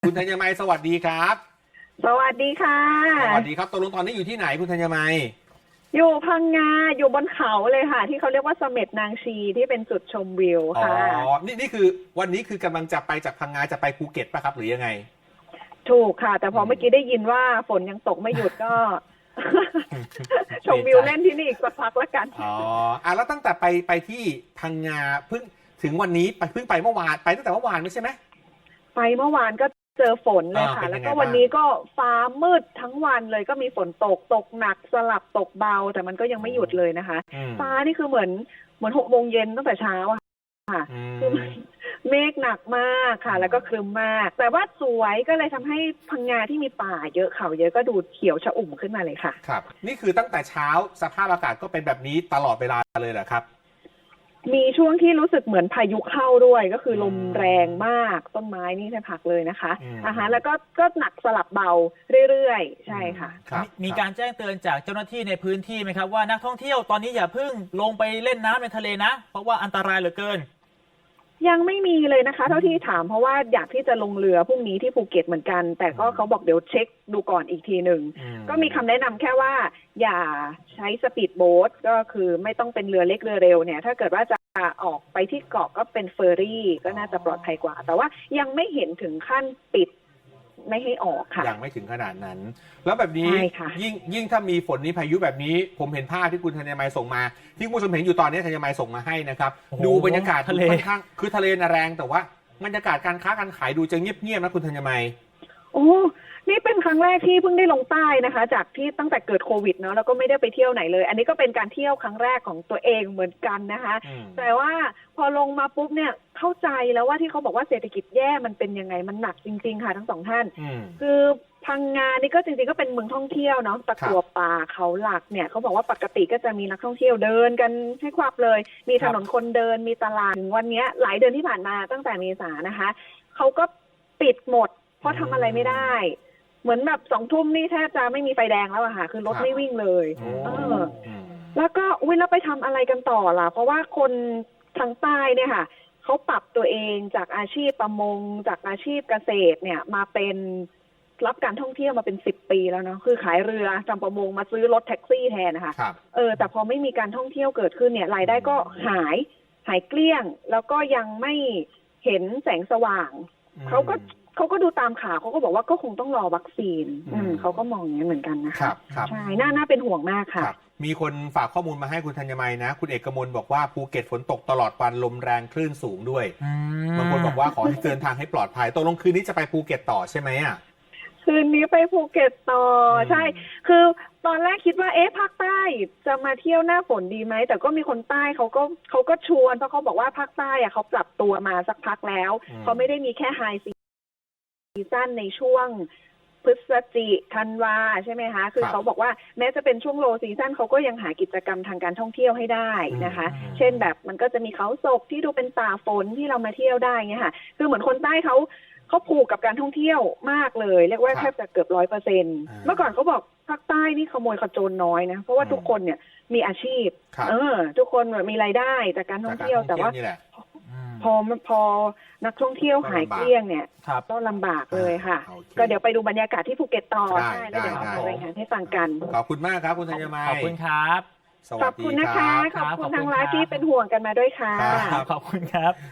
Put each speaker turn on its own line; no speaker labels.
คุณธัญมัยสวัสดีครับ
สวัสดีค่ะ
สวัสดีครับตกลงตอนนี้อยู่ที่ไหนคุณธัญมัย
อยู่พังงาอยู่บนเขาเลยค่ะที่เขาเรียกว่าเสม็ดนางชีที่เป็นจุดชมวิว
อ๋อ
ค่ะ
นี่คือวันนี้คือกำลังจะไปจากพังงาจะไปภูเก็ตป่ะครับหรือยังไง
ถูกค่ะแต่พอเมื่อกี้ได้ยินว่าฝนยังตกไม่หยุดก็ ชมวิวเล่นที่นี่อีกสักพักละกัน
อ๋อแล้วตั้งแต่ไปที่พังงาเพิ่งถึงวันนี้เพิ่งไปเมื่อวานไปตั้งแต่เมื่อวานไม่ใช่ไหม
ไปเมื่อวานก็เจอฝนเลยค่ะแล้วก็วันนี้ก็ฟ้ามืดทั้งวันเลยก็มีฝนตกหนักสลับตกเบาแต่มันก็ยังไม่หยุดเลยนะคะฟ้านี่คือเหมือน6 โมงเย็นตั้งแต่เช้าค่ะคือเมฆหนักมากค่ะแล้วก็ครึ้มมากแต่ว่าสวยก็เลยทำให้พังงาที่มีป่าเยอะเขาเยอะก็ดูเขียวชอุ่มขึ้นมาเลยค่ะ
ครับนี่คือตั้งแต่เช้าสภาพอากาศก็เป็นแบบนี้ตลอดเวลาเลยเหรอครับ
มีช่วงที่รู้สึกเหมือนพายุเข้าด้วยก็คือลมแรงมากต้นไม้นี่แทบหักเลยนะคะแล้วก็หนักสลับเบาเรื่อยๆใช่ค่ะ
มีการแจ้งเตือนจากเจ้าหน้าที่ในพื้นที่ไหมครับว่านักท่องเที่ยวตอนนี้อย่าเพิ่งลงไปเล่นน้ำในทะเลนะเพราะว่าอันตรายเหลือเกิน
ยังไม่มีเลยนะคะเท่าที่ถามเพราะว่าอยากที่จะลงเรือพรุ่งนี้ที่ภูเก็ตเหมือนกันแต่ก็เขาบอกเดี๋ยวเช็คดูก่อนอีกทีหนึ่งก็มีคำแนะนำแค่ว่าอย่าใช้สปีดโบ๊ทก็คือไม่ต้องเป็นเรือเล็กเรือเร็วเนี่ยถ้าเกิดว่าจะออกไปที่เกาะก็เป็นเฟอร์รี่ก็น่าจะปลอดภัยกว่าแต่ว่ายังไม่เห็นถึงขั้นปิดไม่ให้ออกค่ะ
ยังไม่ถึงขนาดนั้นแล้วแบบนี้ยิ่งถ้ามีฝนนี้พายุแบบนี้ผมเห็นภาพที่คุณธัญมัยส่งมาที่คุณผู้ชมเห็นอยู่ตอนนี้ธัญมัยส่งมาให้นะครับดูบรรยากาศ
ทะเล
ค่อนข้างคือทะเลน่ะแรงแต่ว่าบรรยากาศการค้าการขายดูจะเงียบๆนะคุณธัญมัย
โอ้นี่เป็นครั้งแรกที่เพิ่งได้ลงใต้นะคะจากที่ตั้งแต่เกิดโควิดเนาะแล้วก็ไม่ได้ไปเที่ยวไหนเลยอันนี้ก็เป็นการเที่ยวครั้งแรกของตัวเองเหมือนกันนะคะแต่ว่าพอลงมาปุ๊บเนี่ยเข้าใจแล้วว่าที่เขาบอกว่าเศรษฐกิจแย่มันเป็นยังไงมันหนักจริงๆค่ะทั้งสองท่านคือพังงานี่ก็จริงๆก็เป็นเมืองท่องเที่ยวเนาะตะกั่วป่าเขาหลักเนี่ยเขาบอกว่าปกติก็จะมีนักท่องเที่ยวเดินกันให้ควับเลยมีถนนคนเดินมีตลาดถึงวันนี้หลายเดือนที่ผ่านมาตั้งแต่เมษานะคะเขาก็ปิดหมดเพราะทำอะไรไม่ได้เหมือนแบบ20:00 นี่แทบจะไม่มีไฟแดงแล้วอะค่ะคือรถไม่วิ่งเลยแล้วก็แล้วไปทำอะไรกันต่อล่ะเพราะว่าคนทางใต้เนี่ยค่ะเขาปรับตัวเองจากอาชีพประมงจากอาชีพเกษตรเนี่ยมาเป็นรับการท่องเที่ยวมาเป็น10 ปีแล้วเนาะคือขายเรือทำประมงมาซื้อรถแท็กซี่แทนนะคะแต่พอไม่มีการท่องเที่ยวเกิดขึ้นเนี่ยรายได้ก็หายเกลี้ยงแล้วก็ยังไม่เห็นแสงสว่างเขาก็ดูตามข่าวเขาก็บอกว่าก็คงต้องรอวัคซีนเขาก็มองอย่างนี้เหมือนกันนะคะใช่น่าเป็นห่วงมากค่ะ
มีคนฝากข้อมูลมาให้คุณธัญมัยนะคุณเอกมลบอกว่าภูเก็ตฝนตกตลอดวันลมแรงคลื่นสูงด้วยบางคนบอกว่าขอให้เดินทางให้ปลอดภัยตกลงคืนนี้จะไปภูเก็ตต่อใช่ไหมอ่ะ
คืนนี้ไปภูเก็ตต่อใช่คือตอนแรกคิดว่าภาคใต้จะมาเที่ยวหน้าฝนดีไหมแต่ก็มีคนใต้เขาก็ชวนเพราะเขาบอกว่าภาคใต้อะเขาปรับตัวมาสักพักแล้วเขาไม่ได้มีแค่ไฮซีซั่นในช่วงพฤศจิกธันวาใช่ไหมคะคือเขาบอกว่าแม้จะเป็นช่วงโลซีซั่นเขาก็ยังหากิจกรรมทางการท่องเที่ยวให้ได้นะคะเช่นแบบมันก็จะมีเขาศกที่ดูเป็นป่าฝนที่เรามาเที่ยวได้เงี้ยค่ะคือเหมือนคนใต้เขาผูกกับการท่องเที่ยวมากเลยเรียกว่าแทบจะเกือบ100%เมื่อก่อนเขาบอกภาคใต้นี่ขโมยขโจรน้อยนะเพราะว่าทุกคนเนี่ยมีอาชีพทุกคนมีรายได้จากการท่องเที่ยวแต่ว่าพอนักท่องเที่ยวหายเกลี้ยงเนี่ยก็ลำบากเลยค่ะก็เดี๋ยวไปดูบรรยากาศที่ภูเก็ตต่อใช่แล้วเดี๋ยวเอารายงานให้ฟังกัน
ขอบคุณมากครับคุณธัญมัย
ขอบคุณครับ
ขอบคุณนะคะขอบคุณทางไลฟ์ที่เป็นห่วงกันมาด้วยค่ะ
ขอบคุณครับ